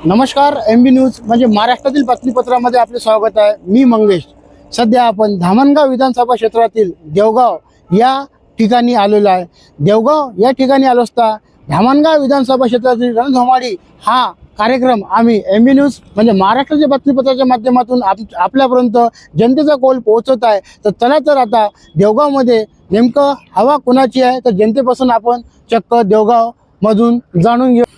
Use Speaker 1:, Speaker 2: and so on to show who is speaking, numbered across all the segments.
Speaker 1: नमस्कार, MB news म्हणजे महाराष्ट्रातील बातमीपत्रामध्ये आपले स्वागत आहे। मी मंगेश। सध्या आपण धामणगाव विधानसभा क्षेत्रातील देवगाव या ठिकाणी आलेलो आहे। देवगाव या ठिकाणी आलो असता धामणगाव विधानसभा क्षेत्रातील रणधुमाळी हा कार्यक्रम आम्ही MB न्यूज म्हणजे महाराष्ट्राच्या बातमीपत्राच्या माध्यमातून आपल्यापर्यंत जनतेचा कौल पोहोचवत आहे। तर चला तर आता देवगावमध्ये नेमकं हवा कोणाची आहे तर जनतेपासून आपण चक्क देवगाव मधून जाणून घेऊ।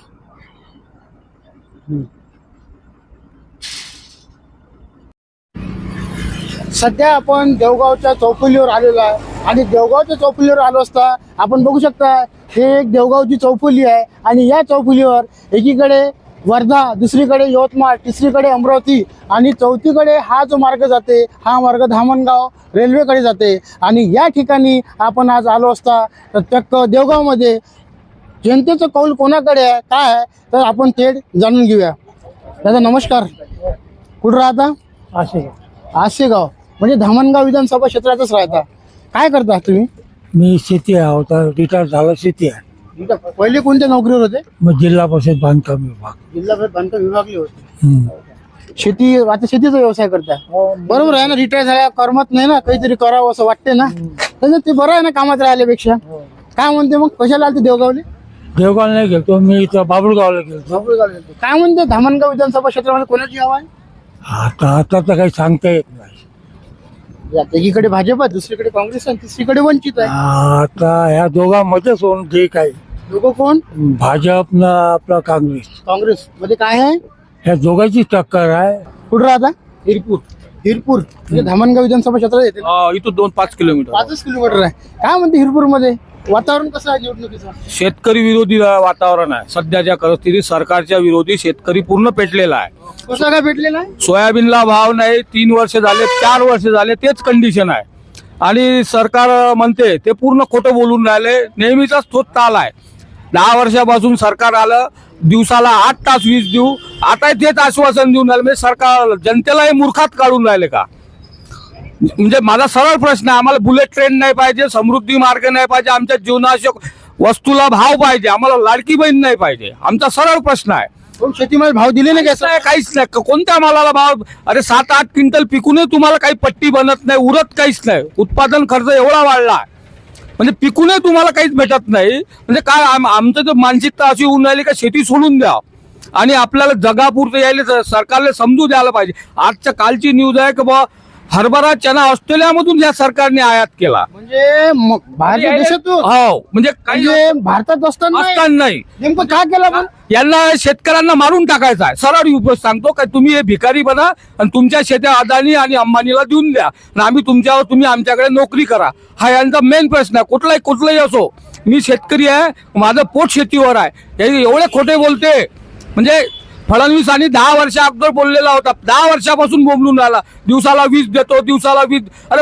Speaker 1: सध्या आपण देवगावच्या चौफुलीवर आलेलो आहे आणि देवगावच्या चौफुलीवर आलो असता आपण बघू शकता हे एक देवगावची चौफुली आहे आणि या चौफुलीवर एकीकडे वर्धा, दुसरीकडे यवतमाळ, तिसरीकडे अमरावती आणि चौथीकडे हा जो मार्ग जाते हा मार्ग धामणगाव रेल्वेकडे जाते। आणि या ठिकाणी आपण आज आलो असता तर चक्क देवगावमध्ये जनतेचं कौल कोणाकडे आहे काय आहे तर आपण थेट जाणून घेऊया। दादा नमस्कार, कुठं राहता? आसेगाव म्हणजे धामणगाव विधानसभा क्षेत्रातच राहता। काय करता तुम्ही?
Speaker 2: मी शेती होता, रिटायर झाला शेती आहे।
Speaker 1: पहिले कोणत्या नोकरीवर होते?
Speaker 2: मग जिल्हा परिषद बांधकाम विभाग,
Speaker 1: जिल्हा परिषद बांधकाम विभागले होते। शेती, आता शेतीचा व्यवसाय करता? बरोबर आहे ना, रिटायर झाल्या करमत नाही ना, काहीतरी करावं असं वाटते ना, तर ते बरं आहे ना कामात राहिल्यापेक्षा। काय म्हणते मग, कशाला आलते देवगावले?
Speaker 2: देवगाव नाही गेलतो मी, इथं बाबुळगावला गेलतो।
Speaker 1: काय म्हणते धामणगाव विधानसभा क्षेत्रामध्ये कोणाची हवा आहे?
Speaker 2: आता तर काही सांगता येत नाही।
Speaker 1: एकीकडे भाजप आहे, दुसरीकडे काँग्रेस आहे, तिसरीकडे वंचित आहे।
Speaker 2: आता ह्या दोघांमध्येच होऊन ठीक आहे।
Speaker 1: दोघं कोण?
Speaker 2: भाजप ना आपला काँग्रेस।
Speaker 1: काँग्रेस मध्ये काय आहे?
Speaker 2: ह्या दोघांची टक्कर आहे।
Speaker 1: कुठं राहता? हिरपूर म्हणजे धामणगाव विधानसभा क्षेत्रात येते ना?
Speaker 3: इथून 2-5 किलोमीटर
Speaker 1: 5 किलोमीटर आहे। काय म्हणते हिरपूर मध्ये वातावरण कसं आहे निवडणुकीचं?
Speaker 3: शेतकरी विरोधी वातावरण आहे सध्याच्या परिस्थितीत। सरकारच्या विरोधी शेतकरी पूर्ण पेटलेला आहे।
Speaker 1: कसं काय भेटलेलं आहे?
Speaker 3: सोयाबीनला भाव नाही, 3 वर्ष झाले, 4 वर्ष झाले तेच कंडिशन आहे। आणि सरकार म्हणते ते पूर्ण खोटं बोलून राहिले, नेहमीचाच तोच ताल आहे। 10 वर्षापासून सरकार आलं, दिवसाला 8 तास वीज देऊ, आता तेच आश्वासन देऊन राहिले। म्हणजे सरकार जनतेलाही मूर्खात काढून राहिले का? म्हणजे माझा सरळ प्रश्न आहे, आम्हाला बुलेट ट्रेन नाही पाहिजे, समृद्धी मार्ग नाही पाहिजे, आमच्या जीवनावश्यक वस्तूला भाव पाहिजे, आम्हाला लाडकी बहीण नाही पाहिजे, आमचा सरळ प्रश्न आहे।
Speaker 1: पण शेतीमध्ये भाव दिले नाही का?
Speaker 3: काहीच नाही, कोणत्या मालाला भाव? अरे 7-8 क्विंटल पिकूनही तुम्हाला काही पट्टी बनत नाही, उरत काहीच नाही। उत्पादन खर्च एवढा वाढला म्हणजे पिकूनही तुम्हाला काहीच भेटत नाही। म्हणजे काय आमचं तर मानसिकता अशी होऊन राहिली का शेती सोडून द्या आणि आपल्याला जगापुरतं यायला सरकारला समजू द्यायला पाहिजे। आजच्या कालची न्यूज आहे की बा हरभरा चना ऑस्ट्रेलियामधून या सरकारने आयात केला,
Speaker 1: म्हणजे बाहेरच्या देशातून?
Speaker 3: हो, म्हणजे
Speaker 1: म्हणजे भारतात असताना
Speaker 3: नाही।
Speaker 1: नेमकं काय केलं पण?
Speaker 3: यांना शेतकऱ्यांना मारून टाकायचं आहे। सरळ उपयोग सांगतो काय, तुम्ही हे भिकारी बना आणि तुमच्या शेत्या अदानी आणि अंबानीला देऊन द्या आणि आम्ही तुम्ही आमच्याकडे नोकरी करा, हा यांचा मेन प्रश्न आहे। कुठलाही असो, मी शेतकरी आहे, माझं पोट शेतीवर आहे, हे एवढे खोटे बोलते। म्हणजे फडणवीसांनी 10 वर्षा अगोदर बोललेला होता, 10 वर्षापासून बोंबलून राहिला, दिवसाला वीज देतो, दिवसाला वीज। अरे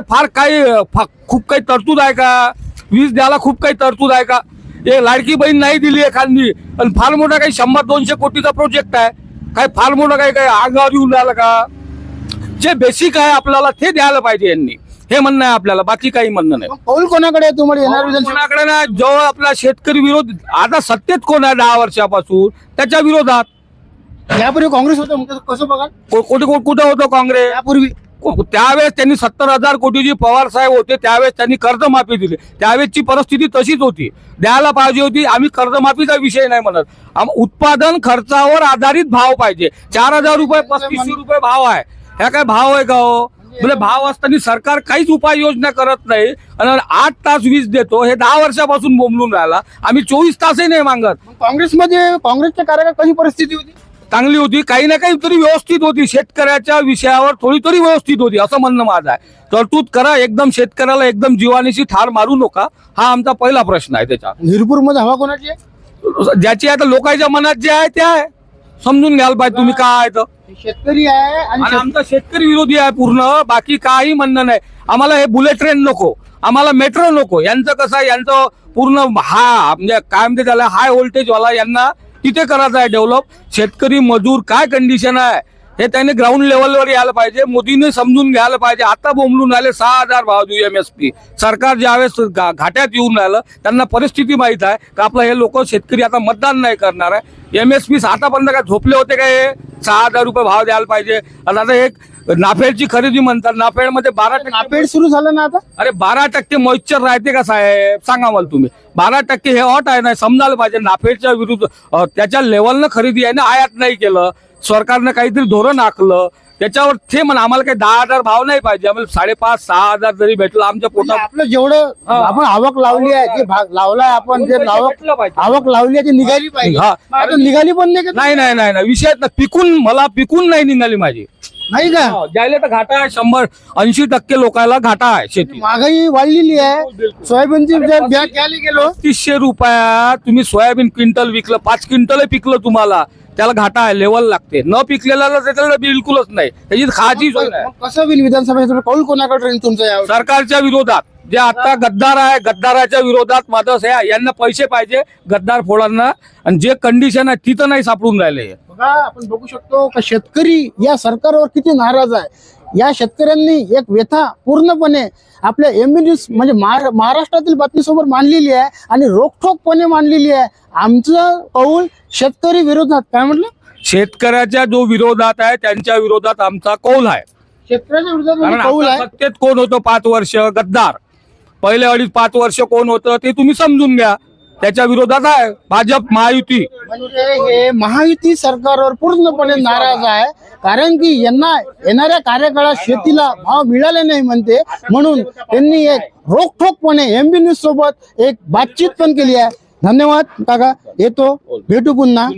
Speaker 3: खूप काही तरतूद आहे का? वीज द्यायला खूप काही तरतूद आहे का? हे लाडकी बहीण नाही दिली एखादी आणि फार मोठा काही 100-200 कोटीचा प्रोजेक्ट आहे, काय फार मोठा काही अंगावर येऊन राहिला का? जे बेसिक आहे आपल्याला ते द्यायला पाहिजे यांनी, हे म्हणणं आहे आपल्याला, बाकी काही म्हणणं नाही।
Speaker 1: कौल कोणाकडे आहे तुम्हाला येणार?
Speaker 3: कोणाकडे नाही, जो आपला शेतकरी विरोध आता सत्तेत कोण आहे 10 वर्षापासून त्याच्या विरोधात।
Speaker 1: यापूर्वी काँग्रेस होतं, मग कसं बघा?
Speaker 3: कुठं होतं काँग्रेस
Speaker 1: यापूर्वी?
Speaker 3: त्यावेळेस त्यांनी 70,000 कोटीची, पवार साहेब होते त्यावेळेस त्यांनी कर्जमाफी दिली, त्यावेळेसची परिस्थिती तशीच होती, द्यायला पाहिजे होती। आम्ही कर्जमाफीचा विषय नाही म्हणत, उत्पादन खर्चावर आधारित भाव पाहिजे। 4,000 रुपये 3500 रुपये भाव आहे, ह्या काय भाव आहे का हो? म्हणजे भाव असताना सरकार काहीच उपाययोजना करत नाही आणि 8 तास वीज देतो, हे 10 वर्षापासून बोंबलून राहिला। आम्ही 24 तासही नाही मागत।
Speaker 1: काँग्रेसच्या कार्यालयात कशी परिस्थिती होती?
Speaker 3: चांगली होती, काही ना काही तरी व्यवस्थित होती, शेतकऱ्याच्या विषयावर थोडी तरी व्यवस्थित होती, असं म्हणणं माझं आहे। तरतूद करा, एकदम शेतकऱ्याला एकदम जीवानीशी ठार मारू नका, हा आमचा पहिला प्रश्न आहे। त्याच्या
Speaker 1: हिरपूर मध्ये हवा कोणाची आहे?
Speaker 3: ज्याची आता लोकांच्या मनात जे आहे ते आहे, समजून घ्यायला पाहिजे तुम्ही काय आहे तर।
Speaker 1: शेतकरी आहे
Speaker 3: आणि आमचा शेतकरी विरोधी आहे पूर्ण, बाकी काही म्हणणं नाही। आम्हाला हे बुलेट ट्रेन नको, आम्हाला मेट्रो नको। यांचं कसं आहे, यांचं पूर्ण म्हणजे काय म्हणते त्याला, हाय व्होल्टेज वाला, यांना तिथे करायचं आहे डेव्हलप। शेतकरी मजूर काय कंडिशन आहे, हे त्याने ग्राउंड लेवलवर यायला पाहिजे. मोदीने समजून घ्यायला पाहिजे. आता बोंबलून राहिले 6,000 भाव देऊ MSP. सरकार ज्यावेळेस घाट्यात येऊन राहिलं त्यांना परिस्थिती माहित आहे का आपलं हे लोक शेतकरी आता मतदान नाही करणार आहे. MSP आतापर्यंत काय झोपले होते का हे 6,000 रुपये भाव द्यायला पाहिजे. आणि आता एक नाफेडची खरेदी म्हणतात. नाफेडमध्ये 12%
Speaker 1: नाफेड सुरू झालं ना आता.
Speaker 3: अरे 12% मॉइश्चर राहते का साहेब सांगा मला तुम्ही. 12% हे अट आहे ना समजायला पाहिजे. नाफेडच्या विरुद्ध त्याच्या लेवलनं खरेदी आहे ना आयात नाही केलं. सरकारनं काहीतरी धोरण आखलं त्याच्यावर ते म्हणा आम्हाला काही 10,000 भाव नाही पाहिजे. आम्हाला 5,500-6,000 जरी भेटलं आमच्या पोटात.
Speaker 1: आपलं जेवढं आपण आवक लावली आहे जे भाग लावलाय आपण जे
Speaker 3: भेटलं पाहिजे.
Speaker 1: आवक लावली आहे ती निघाली पाहिजे.
Speaker 3: हा.
Speaker 1: आता निघाली पण नाही का?
Speaker 3: नाही विषय पिकून नाही निघाली माझी.
Speaker 1: नाही का?
Speaker 3: ज्याला तर घाटा आहे 100-80% लोकांना घाटा आहे शेती.
Speaker 1: महागाई वाढलेली आहे. सोयाबीनची जर बॅग घ्यायला गेलो
Speaker 3: 300 रुपयात तुम्ही सोयाबीन क्विंटल विकलं 5 क्विंटल पिकलं तुम्हाला त्याला घाटा आहे. लेवल लागते. न पिकलेला त्याला बिलकुलच नाही. त्याची खायची सोय नाही.
Speaker 1: मग कसं होईल विधानसभेचं कौल कोणाकडे राहील तुमचं यावर?
Speaker 3: सरकारच्या विरोधात जे आता गद्दार आहे गद्दाराच्या विरोधात माझं आहे. यांना पैसे पाहिजे गद्दार फोडांना. आणि जे कंडिशन आहे तिथं नाही सापडून राहिले.
Speaker 1: बघा आपण बघू शकतो का शेतकरी या सरकारवर किती नाराज आहे. या शेतकऱ्यांनी एक व्यथा पूर्णपणे आपल्या MBNews म्हणजे महाराष्ट्रातील बातमीसोबत मांडलेली आहे आणि रोखठोकपणे मांडलेली आहे. आमचं कौल शेतकरी विरोधात. काय म्हटलं?
Speaker 3: शेतकऱ्याच्या जो विरोधात आहे त्यांच्या विरोधात आमचा कौल आहे.
Speaker 1: शेतकऱ्याच्या विरोधात
Speaker 3: कारण
Speaker 1: म्हणजे कौल
Speaker 3: आता
Speaker 1: आहे.
Speaker 3: सत्तेत कोण होतं 5 वर्ष गद्दार. पहिले 2.5-5 वर्ष कोण होतं ते तुम्ही समजून घ्या. त्याच्या विरोधात आहे भाजप महायुती.
Speaker 1: म्हणजे हे महायुती सरकारवर पूर्णपणे नाराज आहे. कारण की यांना येणाऱ्या कार्यकाळात शेतीला भाव मिळाले नाही म्हणते. म्हणून त्यांनी एक रोखठोकपणे MBNews सोबत एक बातचीत पण केली आहे. धन्यवाद काका. येतो भेटू पुन्हा.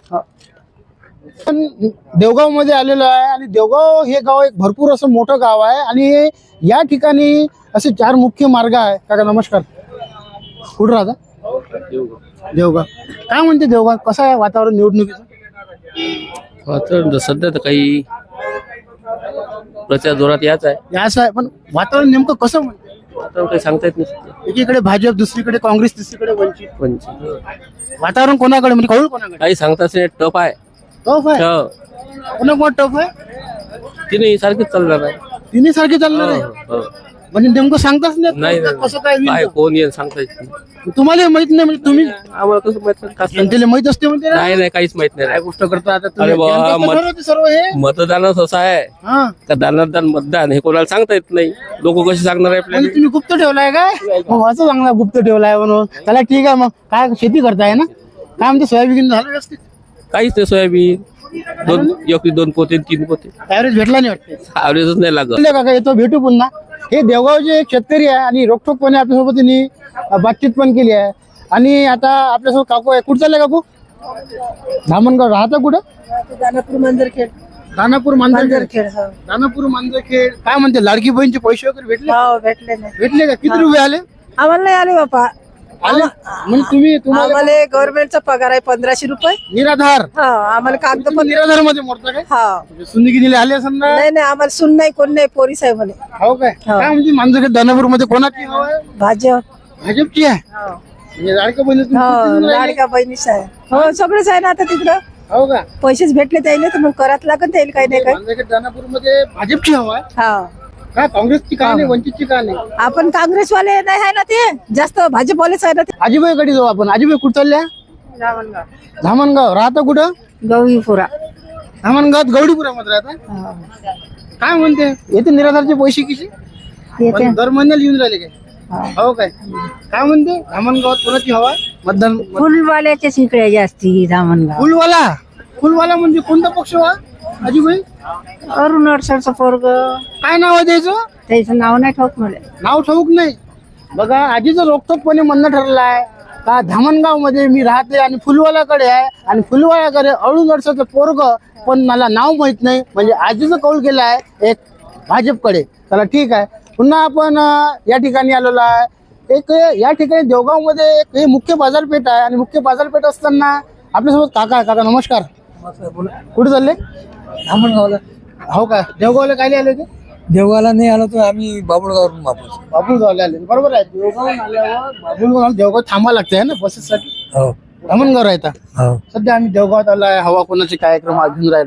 Speaker 1: पण देवगाव मध्ये आलेलो आहे आणि देवगाव हे गाव एक भरपूर असं मोठं गाव आहे आणि या ठिकाणी असे 4 मुख्य मार्ग आहे. काका नमस्कार. कुठं राहता? देवगाव. काय म्हणते देवगाव? कसं आहे वातावरण निवडणुकीचं?
Speaker 4: वातावरण सध्या तर काही प्रचार जोरात याच आहे.
Speaker 1: असं आहे पण वातावरण नेमकं कसं म्हणते?
Speaker 4: वातावरण काही सांगता येत नाही.
Speaker 1: एकीकडे भाजप दुसरीकडे काँग्रेस तिसरीकडे वंचित.
Speaker 4: पण
Speaker 1: वातावरण कोणाकडे म्हणजे कौल कोणाकडे?
Speaker 4: काही सांगताच नाही. टप आहे.
Speaker 1: टफ आहे.
Speaker 4: हो.
Speaker 1: कोणा कोण टफ आहे?
Speaker 4: तिने सारखीच चालणार आहे.
Speaker 1: तिन्ही सारखे चालणार आहे.
Speaker 4: हो.
Speaker 1: म्हणजे नेमकं सांगताच
Speaker 4: नाही
Speaker 1: नाही
Speaker 4: नाही.
Speaker 1: कसं काय
Speaker 4: काय
Speaker 1: होईल?
Speaker 4: कोण येईल सांगता येत नाही.
Speaker 1: तुम्हाला माहित नाही म्हणजे तुम्ही
Speaker 4: आम्हाला कसं माहित नाही. कसं-
Speaker 1: जनतेला माहित असते म्हणते ना?
Speaker 4: नाही काहीच माहित नाही.
Speaker 1: काय गोष्ट करता आता तुम्ही?
Speaker 4: अरे बाबा,
Speaker 1: जनतेचं
Speaker 4: मत-
Speaker 1: ठरवते सर्व हे.
Speaker 4: मतदानच असं आहे
Speaker 1: हा
Speaker 4: का दानादान मतदान हे कोणाला सांगता येत नाही. लोक कशी सांगणार आहे
Speaker 1: म्हणजे
Speaker 4: आपल्याला.
Speaker 1: तुम्ही गुप्त ठेवलाय काय? मग असं सांगणार गुप्त ठेवलाय म्हणून. त्याला ठीक आहे. मग काय शेती करताय ना? काय म्हणते सोयाबीन झालं व्यवस्थित?
Speaker 4: काहीच नाही. सोयाबीन 2 पोते 3 पोते
Speaker 1: ऍव्हरेज भेटला नाही वाटते.
Speaker 4: ॲव्हरेजच नाही लागत.
Speaker 1: बोलले काका येतो भेटू पुन्हा. हे देवगावचे एक शेतकरी आहे आणि रोखठोकपणे आपल्यासोबत त्यांनी बातचीत पण केली आहे. आणि आता आपल्यासोबत काकू आहे. कुठं चालले काकू? धामणगाव. राहता कुठं?
Speaker 5: दानापूर मांजरखेड.
Speaker 1: दानापूर मांजरखेड.
Speaker 5: मांजरखेड हो.
Speaker 1: दानापूर मांजरखेड. काय म्हणते लाडकी बहीणचे पैसे वगैरे भेटले?
Speaker 5: हो भेटले नाही.
Speaker 1: भेटले का? किती रुपये आले?
Speaker 5: आम्हाला नाही आले बापा.
Speaker 1: आले म्हणजे तुम्हाला
Speaker 5: आम्हाला गव्हर्नमेंटचा पगार आहे 1500 रुपये.
Speaker 1: निराधार.
Speaker 5: हा आम्हाला कागद
Speaker 1: तुम्ही
Speaker 5: पण
Speaker 1: निराधार मध्ये मोडता काय?
Speaker 5: हा.
Speaker 1: सुंदगी आले असं ना?
Speaker 5: नाही नाही आम्हाला सुन नाही कोण नाही पोरीस आहे म्हणे.
Speaker 1: हो काय? काय म्हणजे मांजरखेड दानापूर मध्ये कोणाची हवा आहे?
Speaker 5: भाजप.
Speaker 1: भाजपची आहे.
Speaker 5: हो
Speaker 1: म्हणजे लाडक्या बहिणी तुम्ही
Speaker 5: हो,
Speaker 1: किती जण राहिले?
Speaker 5: लाडक्या बहिणीच आहे. हो सगळंच आहे ना आता तिकडं.
Speaker 1: हो का?
Speaker 5: पैसेच भेटले त्याला तर मग करात लागत त्याला काही नाही काही.
Speaker 1: मांजरखेड दानापूर मध्ये भाजपची हवा आहे.
Speaker 5: हा
Speaker 1: काय काँग्रेसची काय नाही वंचितची काय नाही?
Speaker 5: आपण काँग्रेसवाले नाही आहे ना ते जास्त भाजपवालेच आहे ना ते.
Speaker 1: आजीबाईकडे जाऊ आपण. आजीबाई कुठं चालल्या? धामणगाव. राहता कुठं?
Speaker 5: गौरीपुरा.
Speaker 1: धामणगावात गौडीपुरामध्ये राहता. काय म्हणते येते निराधारचे पैसे किती? पण दर महिन्याला येऊन राहिले काय? हो काय? काय म्हणते धामणगावात कोणाची हवा आहे? मतदान
Speaker 5: फुलवाल्याच्याच इकडे जास्ती धामणगाव.
Speaker 1: फुलवाला. फुलवाला म्हणजे कोणता पक्ष वा आजीबाई?
Speaker 5: अरुण अडसरचं पोरग.
Speaker 1: काय नाव आहे त्याचं?
Speaker 5: त्याचं नाव नाही ठाऊक मला.
Speaker 1: नाव ठाऊक नाही. बघा आजीचं रोखठोकपणे म्हणणं ठरलं आहे का धामणगाव मध्ये मी राहते आणि फुलवाल्याकडे आहे आणि फुलवाल्याकडे अळून अडसरचं पोरग पण मला नाव माहित नाही. म्हणजे आजीचं कौल केलं आहे एक भाजपकडे. चला ठीक आहे. पुन्हा आपण या ठिकाणी आलेलो आहे. एक या ठिकाणी देवगाव मध्ये एक हे मुख्य बाजारपेठ आहे आणि मुख्य बाजारपेठ असताना आपल्यासोबत काका आहे. काका नमस्कार. कुठे चालले?
Speaker 2: धामणगावला.
Speaker 1: हो का? देवगावला काय आले ते?
Speaker 2: देवगावला नाही आलो तर आम्ही बाबुळगावरून वापस.
Speaker 1: बाबुळगावला आले. बरोबर आहे. देवगाव आल्यावर बाबुळगाव देवगाव थांबा लागते आहे ना बसेससाठी.
Speaker 2: हो
Speaker 1: धामणगाव राहता.
Speaker 2: हो.
Speaker 1: सध्या आम्ही देवगावात आलो आहे. हवा कोणाचे कार्यक्रम घेऊन राहिलो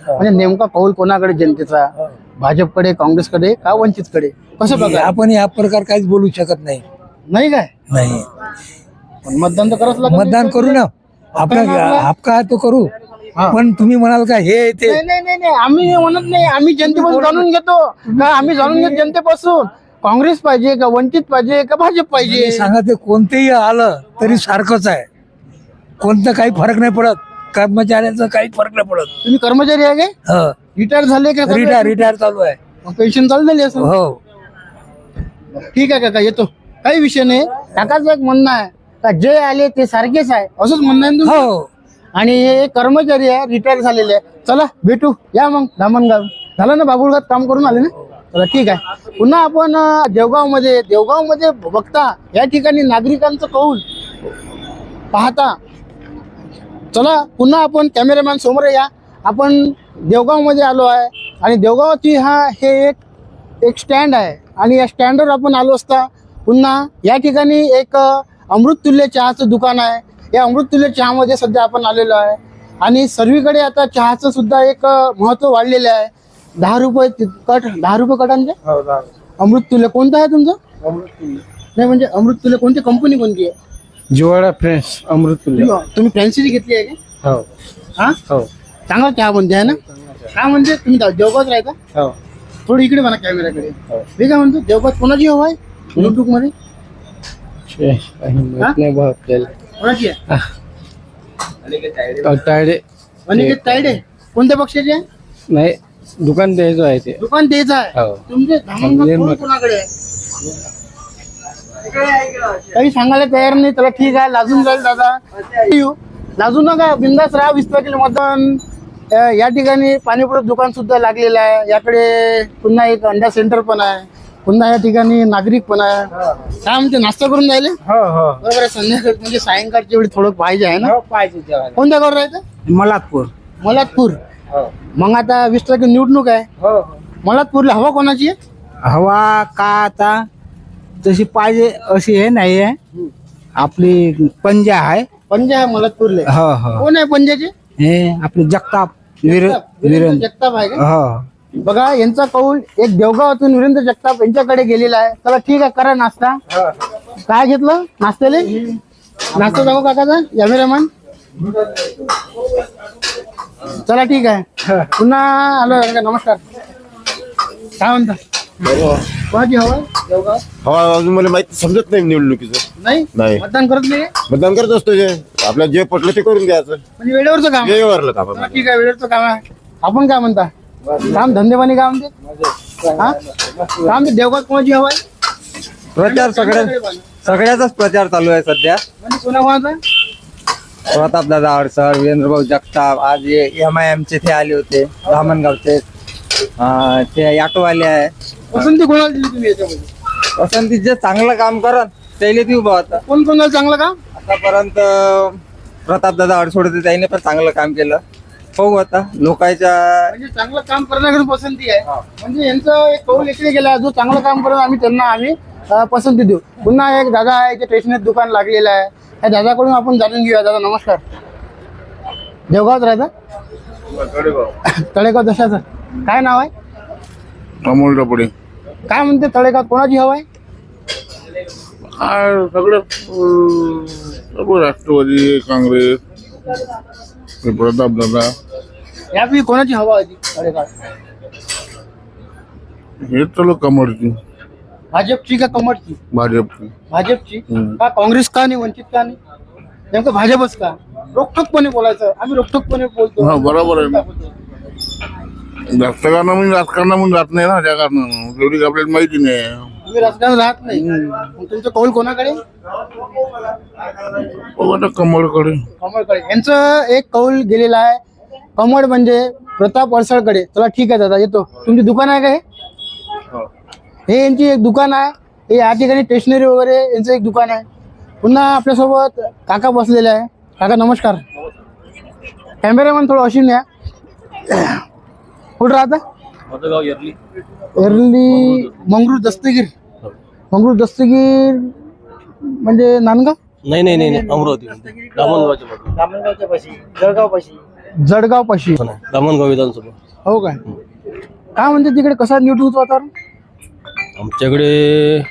Speaker 1: म्हणजे नेमका कौल कोणाकडे जनतेचा, भाजपकडे, काँग्रेसकडे का वंचितकडे, कसं बघा
Speaker 2: आपण या प्रकार काहीच बोलू शकत नाही.
Speaker 1: नाही काय
Speaker 2: नाही
Speaker 1: पण मतदान तर करावंच लागेल.
Speaker 2: मतदान करू ना, आपला हक्क आहे तो करू.
Speaker 1: हा.
Speaker 2: पण तुम्ही म्हणाल का हे ते
Speaker 1: नाही नाही नाही नाही, आम्ही हे म्हणत नाही, आम्ही जनतेपासून जाणून घेतो का, आम्ही जाणून घेतो जनतेपासून काँग्रेस पाहिजे का वंचित पाहिजे का भाजप पाहिजे.
Speaker 2: सांगा, ते कोणतेही आलं तरी सारखंच आहे. कोणतं काही फरक नाही पडत, कर्मचाऱ्यांचा काही फरक नाही पडत.
Speaker 1: तुम्ही कर्मचारी आहे काय, रिटायर झाले का,
Speaker 2: रिटायर चालू आहे.
Speaker 1: पेन्शन चालू झाली असं.
Speaker 2: हो,
Speaker 1: ठीक आहे काका, येतो, काही विषय नाही. काकाचं एक म्हणणं आहे का जे आले ते सारखेच आहे, असंच म्हणणं आहे ना तुमचं?
Speaker 2: हो.
Speaker 1: आणि हे कर्मचारी आहे, रिटायर झालेले आहे. चला भेटू, या मग धामणगाव. झालं ना, बाबुळगावात काम करून आले ना. चला ठीक आहे. पुन्हा आपण देवगावमध्ये बघता या ठिकाणी नागरिकांचं कौल पाहता. चला पुन्हा आपण कॅमेरामॅन समोर या. आपण देवगावमध्ये आलो आहे आणि देवगावची हे एक स्टँड आहे आणि या स्टँडवर आपण आलो असता पुन्हा या ठिकाणी एक अमृततुल्य चहाचं दुकान आहे. या अमृततुल्य चहामध्ये सध्या आपण आलेलो आहे आणि सर्वीकडे आता चहाचं सुद्धा एक महत्त्व वाढलेलं आहे. 10 रुपये कट, 10 रुपये कटांचे अमृततुल्य. कोणतं आहे तुमचं? नाही म्हणजे अमृततुल्य कोणती कंपनी कोणती आहे?
Speaker 6: जिवाळा फ्रेंड्स अमृततुल्य.
Speaker 1: तुम्ही फ्रँचायझी घेतली आहे का?
Speaker 6: हो
Speaker 1: हा,
Speaker 6: हो
Speaker 1: चांगला चहा बनते आहे ना. काय म्हणते तुम्ही देवगावात राहता?
Speaker 6: हो
Speaker 1: थोडं इकडे म्हणा कॅमेराकडे. मी काय म्हणतो, देवगावात कोणाची हवा आहे युट्यूब मध्ये?
Speaker 6: नाही भाऊ आपल्याला
Speaker 1: कोणाची आहे?
Speaker 6: तायडे
Speaker 1: अनिकेत तायडे. कोणत्या पक्षाचे आहे?
Speaker 6: नाही दुकान द्यायचं आहे ते.
Speaker 1: दुकान तेच आहे.
Speaker 6: हो.
Speaker 1: तुमचे धामणगाव कोण कोणाकडे आहे? काही सांगायला तयार नाही. त्याला ठीक आहे, लाजून जाईल दादा. येऊ, लाजू नका, बिंदास राहा. 20 तारखेला मतदान. या ठिकाणी पाणीपुरत दुकान सुद्धा लागलेलं आहे. याकडे पुन्हा एक अंडा सेंटर पण आहे. पुन्हा या ठिकाणी नागरिक पण आहे. काय म्हणते, नाश्ता करून जायले?
Speaker 6: हो हो
Speaker 1: बरोबर आहे. संध्याकाळी म्हणजे सायंकाळच्या वेळी थोडं पाहिजे आहे ना.
Speaker 6: पाहिजे जेवायला.
Speaker 1: कोणत्या गावावर राहायचं?
Speaker 6: मलातपूर.
Speaker 1: मलातपूर.
Speaker 6: हो
Speaker 1: मग आता 20 तारखेला निवडणूक आहे.
Speaker 6: हो
Speaker 1: मलातपूरला हवा कोणाची आहे?
Speaker 6: हवा का आता तशी पाहिजे अशी हे नाही आहे. आपली पंजा आहे.
Speaker 1: पंजा आहे मलातपूरले.
Speaker 6: हो हो
Speaker 1: कोण आहे पंजाचे?
Speaker 6: हे आपले जगताप
Speaker 1: वीरेंद्र जगताप आहे का?
Speaker 6: हो
Speaker 1: बघा, यांचा कौल एक देवगावातून वीरेंद्र जगताप यांच्याकडे गेलेला आहे. चला ठीक आहे, करा नाश्ता. काय घेतलं नाश्त्याले? नाश्ता जाऊ काकाचा कॅमेरामॅन. चला ठीक आहे, पुन्हा आलो. नमस्कार. काय म्हणता, कोणाची हवा देवगाव?
Speaker 7: हवा अजून मला माहिती समजत नाही निवडणुकीचं.
Speaker 1: नाही
Speaker 7: नाही.
Speaker 1: मतदान करत नाही
Speaker 7: मतदान करत असतो जे आपल्याला जे पटलं ते करून घ्यायचं.
Speaker 1: म्हणजे वेळेवरचं काम.
Speaker 7: वेळेवरलं काम
Speaker 1: चला ठीक आहे, वेळेवरचं काम आहे. आपण काय म्हणता, काम धंदेपाणी काय म्हणते? हा, काय म्हणते देवगावात कोणाची हवा आहे?
Speaker 8: प्रचार सगळ्याचाच प्रचार चालू आहे सध्या.
Speaker 1: म्हणजे कोणाकोणाचा?
Speaker 8: प्रताप दादा अडसर, वीरेंद्रभाऊ जगताप. आज MIM चे ते आले होते, धामणगावचे. ते ऑटोवाले आहे.
Speaker 1: पसंती कोणाला दिली तुम्ही याच्यामध्ये?
Speaker 8: पसंती जे चांगलं काम करत त्याला ती उभा होता.
Speaker 1: कोण कोणाला चांगलं काम?
Speaker 8: आतापर्यंत प्रताप दादा अडसोड होते, त्याने पण चांगलं काम केलं. हो आता लोकांच्या
Speaker 1: म्हणजे चांगलं काम करण्याकडे पसंती आहे. म्हणजे यांचं एक कौल इकडे गेला, जो चांगलं काम करत आम्ही पसंती देऊ. पुन्हा एक दादा आहे, स्टेशनरी दुकान लागलेलं आहे. त्या दादाकडून आपण जाणून घेऊया. दादा नमस्कार. देवगावात राहता? तळेगाव. दशाचं काय नाव आहे?
Speaker 9: अमोल डबडे.
Speaker 1: काय म्हणते तळेगावात कोणाची हवा आहे?
Speaker 9: सगळं सर्व राष्ट्रवादी, काँग्रेस, प्रताप दादा
Speaker 1: यापैकी कोणाची हवा होती तळेगावात?
Speaker 9: हे चलो कमळची,
Speaker 1: भाजपची का कमळची?
Speaker 9: भाजपची.
Speaker 1: भाजपची का? काँग्रेस का नाही, वंचित का नाही? नेमकं भाजपच का? रोखठोकपणे बोलायचं. आम्ही रोखठोकपणे बोलतो.
Speaker 9: हा, बरोबर आहे ना. जास्त राजकारणामधून जात नाही ना, त्या कारणानं तेवढी आपल्याला माहिती नाही.
Speaker 1: तुम्ही राजकारण राहत नाही, मग तुमचं कौल कोणाकडे?
Speaker 9: कमळकडे.
Speaker 1: कमळकडे. यांचं एक कौल गेलेला आहे. कमळ म्हणजे प्रताप अडसळकडे. चला ठीक आहे दादा, येतो. तुमची दुकान आहे का हे? हे यांची एक दुकान आहे. हे या ठिकाणी स्टेशनरी वगैरे यांचं एक दुकान आहे. पुन्हा आपल्यासोबत काका बसलेले आहे. काका नमस्कार. कॅमेरामॅन थोडं अशी न्या. कुठं राहता? एरली मंगरूळ दस्तगीर. मंगरूळ दस्तगीर म्हणजे नांदगाव?
Speaker 4: नाही अमरावती.
Speaker 1: दामणगावच्या पाशी, जळगाव पाशी. जळगाव पाशी
Speaker 4: धामणगाव विधानसभा.
Speaker 1: हो काय काय म्हणते तिकडे कसं निवडणूक वातावरण?
Speaker 4: आमच्याकडे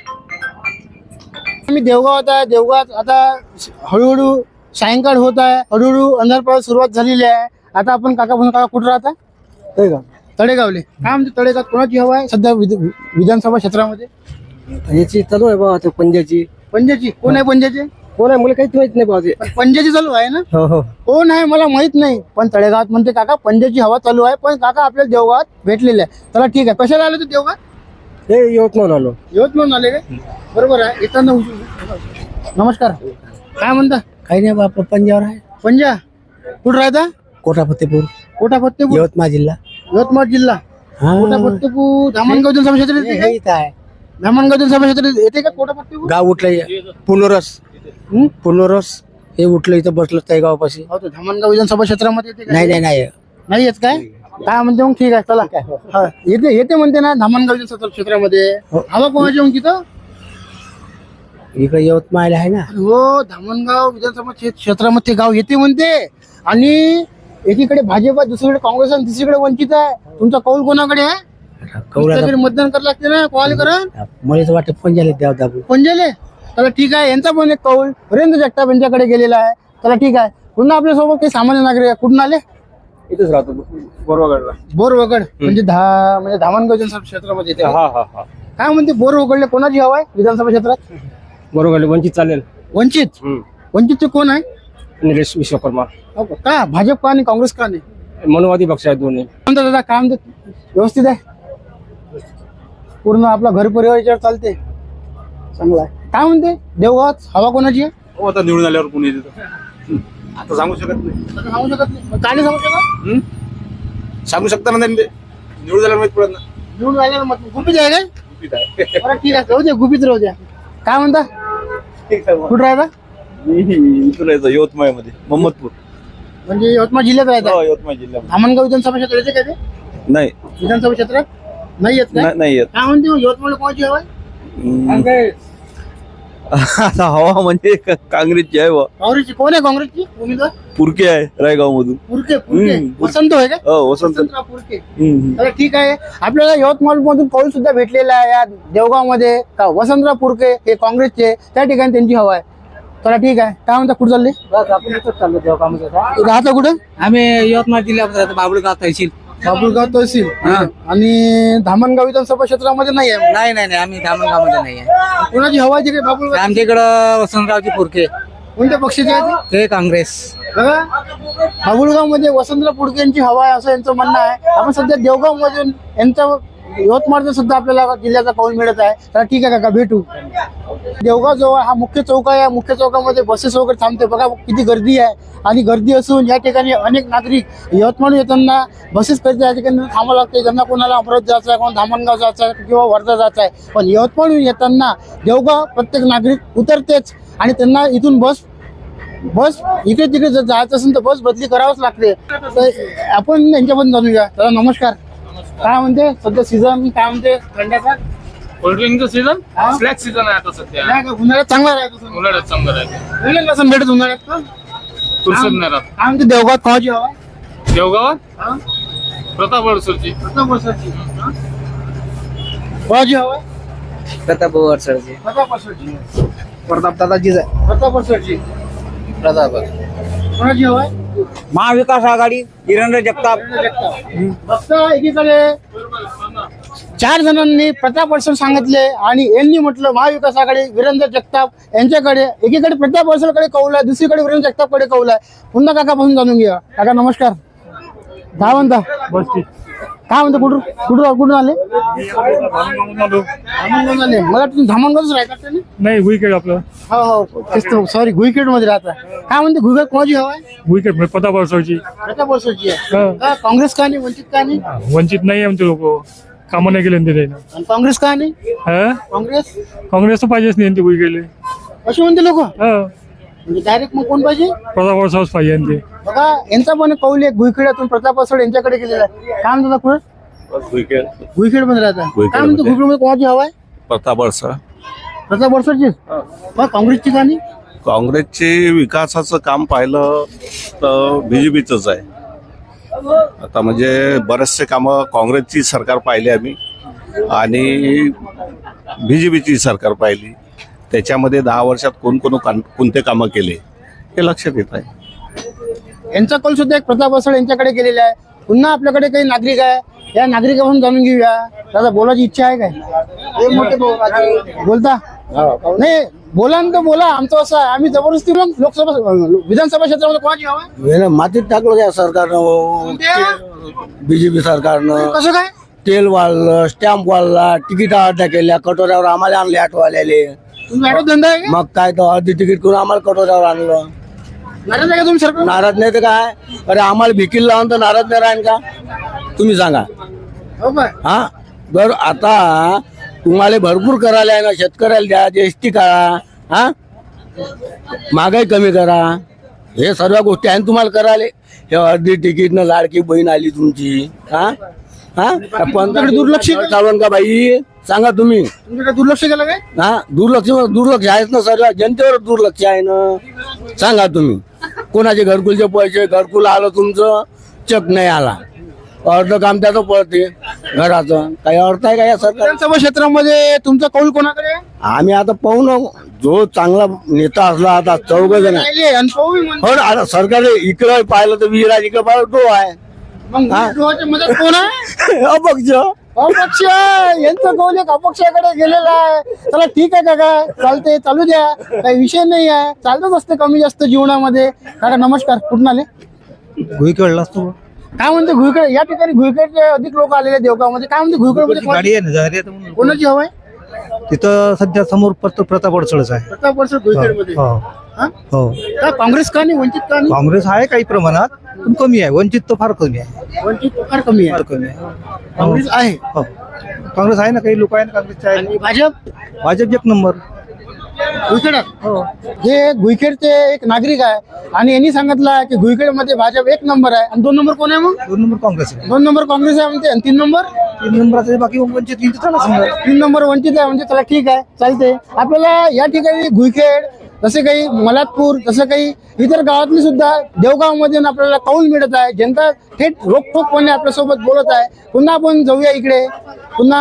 Speaker 1: आम्ही देवगावात आहे. देवगावात आता हळूहळू सायंकाळ होत आहे, हळूहळू अंधार पडायला सुरुवात झालेली आहे. आता आपण काका कुठं राहता? तळेगावले. काय म्हणते तळेगावात कोणाची हवा आहे सध्या विधानसभा क्षेत्रामध्ये?
Speaker 6: याची चालू आहे बाबा पंजाची.
Speaker 1: पंजाची कोण आहे? पंजाचे
Speaker 6: कोण आहे मला काहीच माहित नाही बाबा.
Speaker 1: पंजाची चालू आहे ना?
Speaker 6: हो
Speaker 1: कोण आहे मला माहित नाही, पण तळेगावात म्हणते काका पंजाची हवा चालू आहे. पण काका आपल्या देवगावात भेटलेले आहे. चला ठीक आहे. कशाला आले तू देवगावात?
Speaker 6: हे यवतमाळ आलो.
Speaker 1: यवतमाळ आले काय? बरोबर आहे. येताना नमस्कार. काय म्हणता?
Speaker 6: काही नाही बाबा पंजावर आहे.
Speaker 1: पंजा कुठं राहता?
Speaker 6: कोटा फतेपूर
Speaker 1: कोटा फत्तेपूर
Speaker 6: यवतमाळ जिल्हा.
Speaker 1: यवतमाळ जिल्हा. कोटा फत्तेपूर धामणगाव विधानसभा क्षेत्र येते का?
Speaker 6: इथं आहे
Speaker 1: धामणगाव विधानसभा क्षेत्र येते का कोटा फत्तेपूर?
Speaker 6: गाव उठलं पुनोरस हे उठलं इथं बसलं त्या गावापाशी.
Speaker 1: हो तो धामणगाव विधानसभा क्षेत्रामध्ये येते का?
Speaker 6: नाही
Speaker 1: नाही येत काय? काय म्हणते मग? ठीक आहे चला. हा, येते म्हणते ना धामणगाव विधानसभा क्षेत्रामध्ये. हवा कोणाची मग तिथं?
Speaker 6: इकडे यवतमाळ आहे ना.
Speaker 1: हो धामणगाव विधानसभा क्षेत्रामध्ये गाव येते म्हणते. आणि एकीकडे भाजप आहे, दुसरीकडे काँग्रेस आणि तिसरीकडे वंचित आहे. तुमचा कौल कोणाकडे आहे? तुमच्याकडे मतदान करावं लागते ना. कोणाला करा?
Speaker 6: मला वाटतं पंजाले द्याव दाबू.
Speaker 1: पंजाले. चला ठीक आहे. यांचा पण एक कौल वीरेंद्र जगताप यांच्याकडे गेलेला आहे. चला ठीक आहे. पुन्हा आपल्यासोबत काही सामान्य नागरिक आहे. कुठून आले?
Speaker 4: इथेच राहतो बोरवगडला.
Speaker 1: बोरवगड म्हणजे धामणगाव विधानसभा क्षेत्रामध्ये येते. काय म्हणते बोरवगडले कोणाची हवा आहे विधानसभा क्षेत्रात?
Speaker 4: बोरवगडला वंचित चालेल.
Speaker 1: वंचित. वंचितचे कोण आहे?
Speaker 4: निलेश विश्वकर्मा.
Speaker 1: हो का? भाजप का आणि काँग्रेस का नाही?
Speaker 4: मनोवादी पक्ष आहेत दोन्ही.
Speaker 1: म्हणतात दादा काय म्हणते? व्यवस्थित आहे पूर्ण आपला घर परिवार याच्यावर चालते. चांगला आहे. काय म्हणते देवगावात हवा कोणाची आहे?
Speaker 9: हो आता निवडून आल्यावर कोणी येते आता सांगू शकत नाही.
Speaker 1: आता सांगू शकत नाही. मग काय नाही सांगू शकत?
Speaker 9: सांगू शकता ना त्यांनी निवडून आल्यावर माहित पडत ना.
Speaker 1: निवडून राहिल्यावर मग गुपित आहे काय? बरं ठीक आहे. राहू द्या गुपित राहू द्या. काय म्हणता? कुठं राहता?
Speaker 9: इथून यायचं यवतमाळ मध्ये मोहम्मदपूर.
Speaker 1: म्हणजे यवतमाळ जिल्ह्यात राहता?
Speaker 9: यवतमाळ जिल्ह्यामध्ये
Speaker 1: धामणगाव विधानसभा क्षेत्र येते का ते?
Speaker 9: नाही
Speaker 1: विधानसभा क्षेत्रात नाही येत का?
Speaker 9: नाही येत.
Speaker 1: काय म्हणते मग यवतमाळ कोणाची हवा आहे?
Speaker 9: आता हवा म्हणजे काँग्रेसची आहे बा.
Speaker 1: काँग्रेसची. कोण आहे काँग्रेसची उमेदवार?
Speaker 9: पुरके आहे रायगाव मधून.
Speaker 1: पुरके. वसंत होय का?
Speaker 9: हो वसंत.
Speaker 1: वसंतराव पुरके. तर ठीक आहे. आपल्याला यवतमाळ मधून कौल सुद्धा भेटलेला आहे या देवगाव मध्ये. वसंतराव पुरके हे काँग्रेसचे, त्या ठिकाणी त्यांची हवा आहे. चला ठीक आहे. काय म्हणता? कुठं चालले?
Speaker 6: आपण इथंच चाललो देवगावमध्ये.
Speaker 1: राहता कुठं?
Speaker 6: आम्ही यवतमाळ जिल्ह्यात राहतो बाबुळगाव तहसील.
Speaker 1: बाबुळगाव तहसील. आणि धामणगाव विधानसभा क्षेत्रामध्ये नाही आहे.
Speaker 6: नाही आम्ही धामणगाव मध्ये नाही आहे.
Speaker 1: कोणाची हवा आहे तिकडे बाबुळगाव?
Speaker 6: आमच्या इकडं वसंतरावची पुरके
Speaker 1: कोणत्या पक्षाचे आहे ते?
Speaker 6: ते काँग्रेस.
Speaker 1: बघा बाबुळगाव मध्ये वसंतराव पुडके यांची हवा आहे असं यांचं म्हणणं आहे. आपण सध्या देवगाव मध्ये यांचा यवतमाळचा सुद्धा आपल्याला जिल्ह्याचा कौल मिळत आहे. तर ठीक आहे काका भेटू. देवगाव जवळ हा मुख्य चौक आहे. या मुख्य चौकामध्ये बसेस वगैरे थांबते. बघा किती गर्दी आहे. आणि गर्दी असून या ठिकाणी अनेक नागरिक यवतमाळ येताना बसेस करीत या ठिकाणी थांबावं लागते. ज्यांना कोणाला अमरावती जायचं आहे, कोणाला धामणगाव जायचं आहे किंवा वर्धा जायचं आहे. पण यवतमाळ येताना देवगाव प्रत्येक नागरिक उतरतेच आणि त्यांना इथून बस इकडे तिकडे जर जायचं असेल तर बस बदली करावंच लागते. तर आपण यांच्यापर्यंत जाणूया. तर नमस्कार. काय म्हणते सध्या सीझन? काय म्हणते थंड्याचा?
Speaker 3: कोल्ड्रिंकचं सीझन फ्लॅक्स सीझन आहे आता सध्या.
Speaker 1: नाही का? उन्हाळ्यात चांगला राहतो.
Speaker 3: उन्हाळ्यात चांगलं राहते.
Speaker 1: उन्हाळ्यात कसं भेटत उन्हाळ्यात का?
Speaker 3: फुरसत नाही राहत.
Speaker 1: काय म्हणते देवगावात कोणाची हवा?
Speaker 3: देवगावात प्रताप वडसरची.
Speaker 1: प्रताप वर्षाची. कोणाची हवा?
Speaker 6: प्रताप वरसळचे.
Speaker 1: प्रताप वर्षाची.
Speaker 6: प्रताप दादाजीच आहे.
Speaker 1: प्रताप वर्षाची.
Speaker 6: प्रताप
Speaker 1: कोणाची हवा?
Speaker 6: महाविकास आघाडी वीरेंद्र जगताप.
Speaker 1: फक्त एकीकडे 4 जणांनी प्रताप वडसर सांगितले आणि यांनी म्हटलं महाविकास आघाडी वीरेंद्र जगताप यांच्याकडे. एकीकडे प्रताप वडसरकडे कौल आहे, दुसरीकडे वीरेंद्र जगतापकडे कौल आहे. पुन्हा काकापासून जाणून घ्या. काका नमस्कार. काय म्हणता? काय म्हणता? कुठून आले? धामणगाव आले. मला तुम्ही धामणगावच राहतात ना?
Speaker 10: नाही भुईखेड आपलं.
Speaker 1: हो सॉरी गुईखेड मध्ये राहता. काय म्हणते गुईखेड कोणाची हवा आहे?
Speaker 10: भुईखेड प्रताप वरसळची.
Speaker 1: प्रताप वडसरची आहे. का काँग्रेस का नाही? वंचित का नाही?
Speaker 10: वंचित नाही आमचे लोक कामं नाही केले ते.
Speaker 1: आणि काँग्रेस का नाही? काँग्रेस
Speaker 10: काँग्रेस तर पाहिजेच नाही ते भुईखेडले.
Speaker 1: असे म्हणते लोक. म्हणजे डायरेक्ट मग कोण पाहिजे?
Speaker 10: प्रताप वरसळच पाहिजे ते.
Speaker 1: बघा यांचा पण कौल एक गुईखेड्यातून प्रताप वडसर यांच्याकडे गेलेला आहे. काय म्हणतात कुठं? गुईखेड मध्ये राहता. काय म्हणतो गुईखेड मध्ये कोणाची हवा आहे?
Speaker 9: प्रताप वडसर.
Speaker 1: प्रताप वडसरची. काँग्रेसची का नाही?
Speaker 9: काँग्रेसचे विकासाचं काम पाहिलं तर बीजेपीच आहे. आता म्हणजे बरेचसे कामं काँग्रेसची सरकार पाहिली आम्ही आणि BJPची सरकार पाहिली. त्याच्यामध्ये 10 वर्षात कोणते कामं केले हे लक्षात येत आहे.
Speaker 1: यांचा कल सुद्धा एक प्रताप असळ यांच्याकडे गेलेला आहे. पुन्हा आपल्याकडे काही नागरिक आहे, या नागरिकांपासून जाणून घेऊया. दादा बोलायची इच्छा आहे काय? बोलता नाही, बोला ना तर बोला. आमचं असं आहे, आम्ही जबरदस्ती मग लोकसभा विधानसभा क्षेत्रामध्ये कोणाची हवा आहे?
Speaker 6: मातीत टाकलं त्या सरकारनं, BJP सरकारनं.
Speaker 1: कसं काय?
Speaker 6: तेल वाढलं, स्टॅम्प वाढला, तिकीट अर्ध्या केल्या, कटोऱ्यावर आम्हाला आणले ऑटोवाल्याले.
Speaker 1: तुमचा ऑटो धंदा आहे का?
Speaker 6: मग काय तर अर्धी तिकीट करून आम्हाला कटोऱ्यावर आणलं.
Speaker 1: नाराज आहे का तुम्ही सरकार?
Speaker 6: नाराज नाही तर काय, अरे आम्हाला भिकील लावून तर नाराज नाही राहील का? तुम्ही सांगा.
Speaker 1: हो काय?
Speaker 6: हा, जर आता तुम्हाला भरपूर करायला आहे ना, शेतकऱ्याला द्या, GST काढा, हा, महागाई कमी करा, हे सर्व गोष्टी आहे तुम्हाला करायला. हे अर्धी तिकीटनं लाडकी बहीण आली तुमची. हा हा, पण
Speaker 1: दुर्लक्ष
Speaker 6: चालवण का बाई? सांगा तुम्ही.
Speaker 1: तुमच्याकडे दुर्लक्ष केलं काय?
Speaker 6: हा, दुर्लक्ष आहेच ना, सर्व जनतेवर दुर्लक्ष आहे ना. सांगा तुम्ही, कोणाचे घरकुलचे पैसे, घरकुल आलं तुमचं, चक नाही आला, अर्ध काम त्याचं पडते घराचं. काही अर्थ आहे का या सरकार?
Speaker 1: विधानसभा क्षेत्रामध्ये तुमचा कौल कोणाकडे आहे?
Speaker 6: आम्ही आता पाहू ना, जो चांगला नेता असला, आता 4 जण
Speaker 1: राहिले आणि पाहू बी म्हणतो.
Speaker 6: हो ना. आता सरकार इकडे पाहिलं तर विहीर आहे, इकडे पाहिलं तो आहे.
Speaker 1: मग विरोधाच्या मदत कोण आहे?
Speaker 6: अपक्ष.
Speaker 1: अपक्ष. यांचं कौल एक अपक्षाकडे गेलेला आहे. चला ठीक आहे काका, चालते, चालू द्या, काही विषय नाही आहे, चालतच असते कमी जास्त जीवनामध्ये. काका नमस्कार, कुठून आले?
Speaker 6: भुईखेळला असतो.
Speaker 1: काय म्हणते घुईखेड? या ठिकाणी घुईखेडचे अधिक लोक आलेले देवगावमध्ये. काय म्हणते घुईखेड
Speaker 6: गाडी आहे ना,
Speaker 1: कोणाची हवा आहे?
Speaker 6: तिथं सध्या समोर प्रताप अडसळच आहे.
Speaker 1: प्रताप वर्ष घुईखेडमध्ये. हा?
Speaker 6: हो,
Speaker 1: का काँग्रेस का नाही, वंचित का नाही?
Speaker 6: काँग्रेस आहे काही प्रमाणात, पण कमी आहे. वंचित तर फार कमी आहे.
Speaker 1: वंचित फार कमी आहे.
Speaker 6: कमी आहे.
Speaker 1: काँग्रेस आहे.
Speaker 6: हो, काँग्रेस आहे ना, काही लोक आहे ना काँग्रेसचे आहे.
Speaker 1: आणि भाजप
Speaker 6: भाजप 1 नंबर.
Speaker 1: घुईखेडात. हे घुईखेडचे एक नागरिक आहे आणि यांनी सांगितलं की घुईखेडमध्ये भाजप 1 नंबर आहे. आणि 2 नंबर कोण आहे? मग
Speaker 6: 2 नंबर काँग्रेस आहे.
Speaker 1: 2 नंबर काँग्रेस आहे म्हणते. आणि 3 नंबर?
Speaker 6: 3 नंबराचे बाकी वंचित 3 चला समजा.
Speaker 1: 3 नंबर वंचित आहे म्हणजे चला ठीक आहे, चालते. आपल्याला या ठिकाणी घुईखेड, जसे काही मलातपूर, जसं काही इतर गावातली सुद्धा देवगावमध्ये आपल्याला कौल मिळत आहे. जनता थेट रोखठोकपणे आपल्यासोबत बोलत आहे. पुन्हा आपण जाऊया इकडे. पुन्हा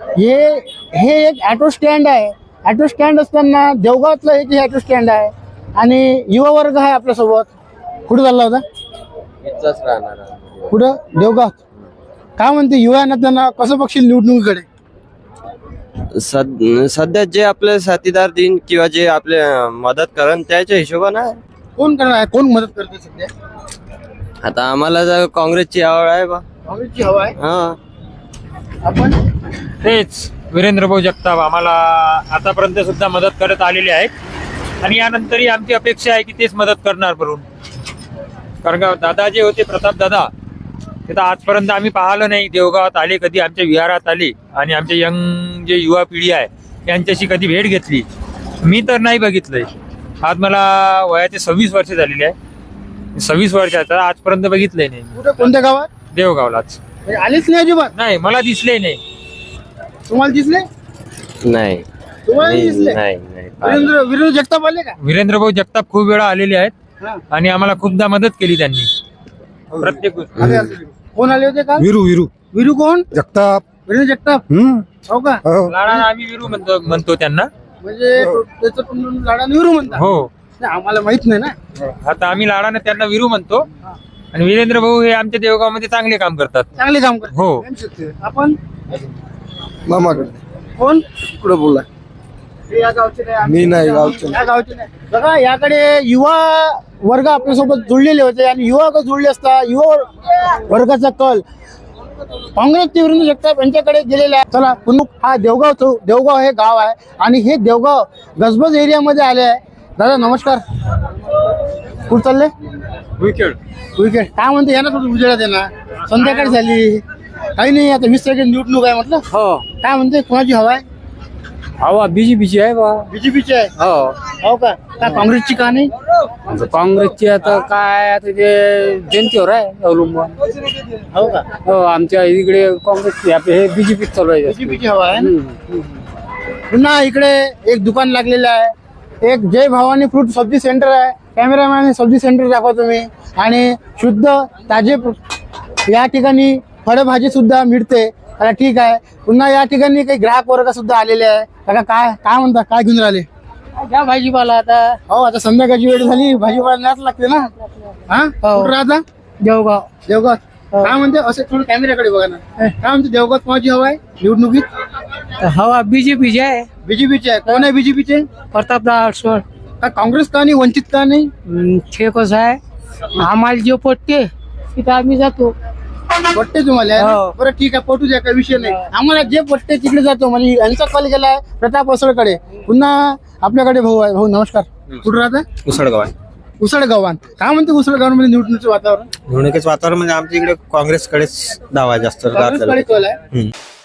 Speaker 1: हे एक ऑटो स्टँड आहे. ऑटो स्टँड असताना देवगावातलं एक ऑटो स्टँड आहे आणि युवा वर्ग आहे आपल्यासोबत. कुठं चालला होता? कुठं? देवगाव. काय म्हणते युवा त्यांना कसं बघशील निवडणुकीकडे?
Speaker 8: सध्या जे आपले साथीदार दिन किंवा जे आपले मदत करण त्याच्या हिशोबानं
Speaker 1: कोण करणार आहे? कोण मदत करते सध्या?
Speaker 8: आता आम्हाला जर काँग्रेसची आवड आहे बा.
Speaker 1: काँग्रेसची हवा आहे.
Speaker 8: हा,
Speaker 1: आपण
Speaker 11: तेच वीरेंद्र भाऊ जगताप आम्हाला आतापर्यंत सुद्धा मदत करत आलेले आहेत आणि यानंतरही आमची अपेक्षा आहे की तेच मदत करणार म्हणून. कारण का दादा जे होते, प्रताप दादा, ते तर आजपर्यंत आम्ही पाहिलं नाही. देवगावात आले कधी, आमच्या विहारात आले आणि आमचे यंग जे युवा पिढी आहे यांच्याशी कधी भेट घेतली मी तर नाही बघितलंय. आज मला वयाचे 26 वर्ष झालेले आहे. 26 वर्षाचा आजपर्यंत बघितलंय नाही.
Speaker 1: कुठं, कोणत्या गावात?
Speaker 11: देवगावलाच.
Speaker 1: आलेच नाही अजिबात?
Speaker 11: नाही, मला दिसले नाही.
Speaker 1: तुम्हाला दिसले?
Speaker 8: नाही
Speaker 1: तुम्हाला दिसले?
Speaker 8: नाही.
Speaker 1: वीरेंद्र जगताप आले का?
Speaker 11: वीरेंद्र भाऊ जगताप खूप वेळा आलेले आहेत
Speaker 1: हा.
Speaker 11: आणि आम्हाला खूपदा मदत केली त्यांनी प्रत्येक गोष्ट.
Speaker 1: आले असतील. कोण आले होते का?
Speaker 6: विरू
Speaker 1: वीरू कोण?
Speaker 6: जगताप.
Speaker 1: वीरेंद्र जगताप. हो का?
Speaker 11: लाडानं आम्ही विरू म्हणतो त्यांना.
Speaker 1: म्हणजे त्याचं पण लाडाने वीरू म्हणतात.
Speaker 11: हो,
Speaker 1: नाही, आम्हाला माहित नाही ना.
Speaker 11: आता आम्ही लाडानं त्यांना विरू म्हणतो. आणि वीरेंद्र भाऊ हे आमच्या देवगावमध्ये चांगले काम करतात.
Speaker 1: चांगले काम करतात.
Speaker 11: हो.
Speaker 1: आपण
Speaker 6: मामाकडे
Speaker 1: कोण?
Speaker 6: कुठं बोलला?
Speaker 1: या गावचे नाही,
Speaker 6: मी नाही गावचं.
Speaker 1: या गावचे नाही. बघा, याकडे युवा वर्ग आपल्यासोबत जुळलेले होते आणि युवा जुळले असता युवा वर्गाचा कल काँग्रेसचे वीरेंद्र जगताप यांच्याकडे गेलेला आहे. चला पुन्हा हा देवगाव हे गाव आहे आणि हे देवगाव गजबज एरियामध्ये आले आहे. दादा नमस्कार, कुठं चालले?
Speaker 11: विकेट
Speaker 1: विकेट. काय म्हणते? या ना थोडं उजेडात येणार. संध्याकाळी झाली, काही नाही, आता 20 तारखेला निवडणूक आहे म्हटलं.
Speaker 11: हो,
Speaker 1: काय म्हणते, कोणाची हवा आहे?
Speaker 11: हवा बीजेपीची आहे बा.
Speaker 1: बीजेपीची आहे. हो का? काँग्रेसची का नाही?
Speaker 11: काँग्रेसची आता काय, आता ते जनतेवर आहे अवलंबून.
Speaker 1: हो का?
Speaker 11: हो, आमच्या इकडे काँग्रेसची, हे बीजेपी चालू आहे.
Speaker 1: बीजेपीची हवा आहे ना? पुन्हा इकडे एक दुकान लागलेलं आहे. एक जय भवानी फ्रूट सब्जी सेंटर आहे. कॅमेरामॅन सब्जी सेंटर दाखवा तुम्ही. आणि शुद्ध ताजे या ठिकाणी फळभाजी सुद्धा मिळते. आता ठीक आहे. पुन्हा या ठिकाणी काही ग्राहक वर्ग सुद्धा आलेले आहे. काका काय काय म्हणता, काय घेऊन राहिले?
Speaker 2: घ्या भाजीपाला आता
Speaker 1: हो, आता संध्याकाळची वेळ झाली, भाजीपाला न्याच लागते ना. हा कुठं राहता?
Speaker 2: देवगाव
Speaker 1: देवगाव. काय म्हणते असे थोडं कॅमेऱ्याकडे बघा ना. काय म्हणते देवगाव कोणाची हवा आहे निवडणुकीत?
Speaker 2: हवा बीजेपीची आहे.
Speaker 1: बीजेपीचे आहे. कोण आहे बीजेपीचे?
Speaker 2: प्रतापदादा अडसोळ.
Speaker 1: का काँग्रेस का नाही, वंचित का नाही?
Speaker 2: ते कसं आहे, आम्हाला जे पटते तिथं आम्ही जातो.
Speaker 1: पट्टे तुम्हाला आहे ना?
Speaker 2: हो.
Speaker 1: बरं ठीक आहे, पटू द्या, काही विषय नाही. आम्हाला जे पट्टे तिकडे जातो. म्हणजे यांचा कॉल गेलाय प्रताप असळकडे. पुन्हा आपल्याकडे भाऊ आहे. भाऊ नमस्कार. कुठं राहता?
Speaker 8: उसळगाव आहे.
Speaker 1: उसळगावात. काय म्हणते उसळगावांमध्ये निवडणुकीचं वातावरण?
Speaker 8: निवडणुकीचं वातावरण म्हणजे आमच्या इकडे काँग्रेसकडेच दावा जास्त
Speaker 1: काँग्रेसकडे कल आहे.